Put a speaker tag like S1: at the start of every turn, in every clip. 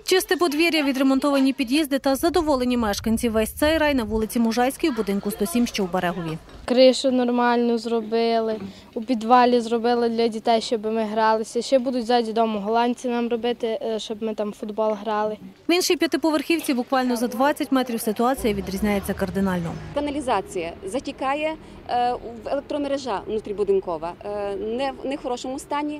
S1: Чисте подвір'я, відремонтовані під'їзди та задоволені мешканці. Весь цей рай на вулиці Мужайській у будинку 107, що в Берегові.
S2: Кришу нормальну зробили, у підвалі зробили для дітей, щоб ми гралися. Ще будуть ззаді дому голландці нам робити, щоб ми там в футбол грали.
S1: В іншій п'ятиповерхівці буквально за 20 метрів ситуація відрізняється кардинально.
S3: Каналізація затікає, електромережа внутрібудинкова не в хорошому стані.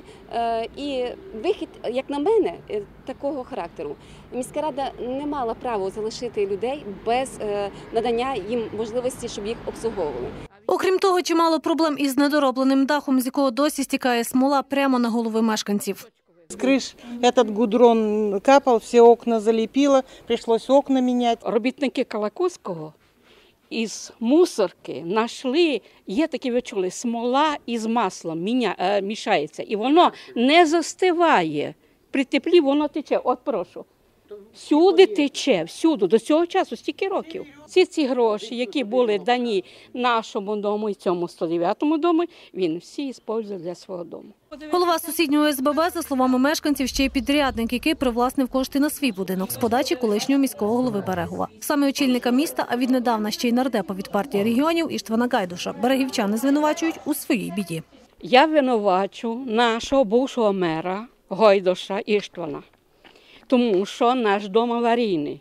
S3: І вихід, як на мене, такого характеру. Міська рада не мала права залишити людей без надання їм можливості, щоб їх обслуговували.
S1: Окрім того, чимало проблем із недоробленим дахом, з якого досі стікає смола прямо на голови мешканців.
S4: С крыш этот гудрон капал, все окна залепило, пришлось окна менять.
S5: Робітники Калакузького із мусорки знайшли, є такі, ви чули, смола із маслом мішається, і воно не застиває. При теплі воно тече. От прошу. Всюди тече, всюди, до цього часу, стільки років. Всі ці гроші, які були дані нашому дому і цьому 109-му дому, він всі використовує для свого дому.
S1: Голова сусіднього СББ, за словами мешканців, ще й підрядник, який привласнив кошти на свій будинок з подачі колишнього міського голови Берегова. Саме очільника міста, а віднедавна ще й нардепа від партії регіонів Іштвана Гайдуша, берегівчани звинувачують у своїй біді.
S5: Я винувачу нашого бувшого мера Гайдуша Іштвана, тому що наш дом аварійний.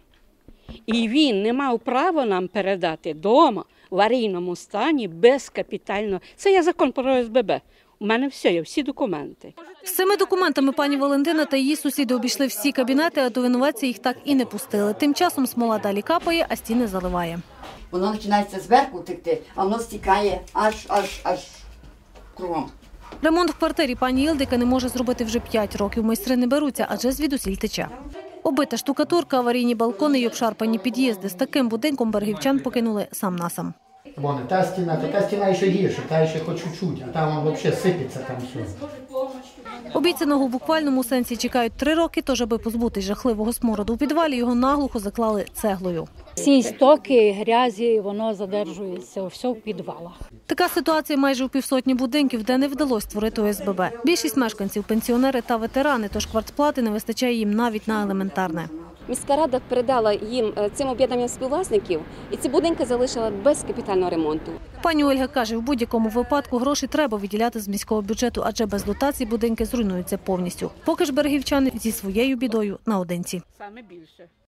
S5: І він не мав права нам передати дом в аварійному стані без капітального. Це є закон про СББ. У мене все є, всі документи.
S1: З цими документами пані Валентина та її сусіди обійшли всі кабінети, а до винуватця їх так і не пустили. Тим часом смола далі капає, а стіни заливає.
S6: Воно починається зверху текти, а воно стікає аж кругом.
S1: Ремонт в квартирі пані Ілдика не може зробити вже 5 років. Майстри не беруться, адже звідусіль тече. Обита штукатурка, аварійні балкони й обшарпані під'їзди. З таким будинком берегівчан покинули сам на сам.
S7: Вон, та стіна ще гірше, та ще хоч чуть-чуть, а там взагалі сипеться там все.
S1: Обіцяного в буквальному сенсі чекають 3 роки, тож аби позбутись жахливого смороду у підвалі, його наглухо заклали цеглою.
S8: Всі стоки, грязі, воно задержується, все в підвалах.
S1: Така ситуація майже у півсотні будинків, де не вдалося створити ОСББ. Більшість мешканців – пенсіонери та ветерани, тож квартплати не вистачає їм навіть на елементарне.
S3: Міська рада передала їм цим об'єднанням співвласників, і ці будинки залишила без капітального ремонту.
S1: Пані Ольга каже, в будь-якому випадку гроші треба виділяти з міського бюджету, адже без дотацій будинки зруйнуються повністю. Поки ж берегівчани зі своєю бідою наодинці.
S5: Саме більше.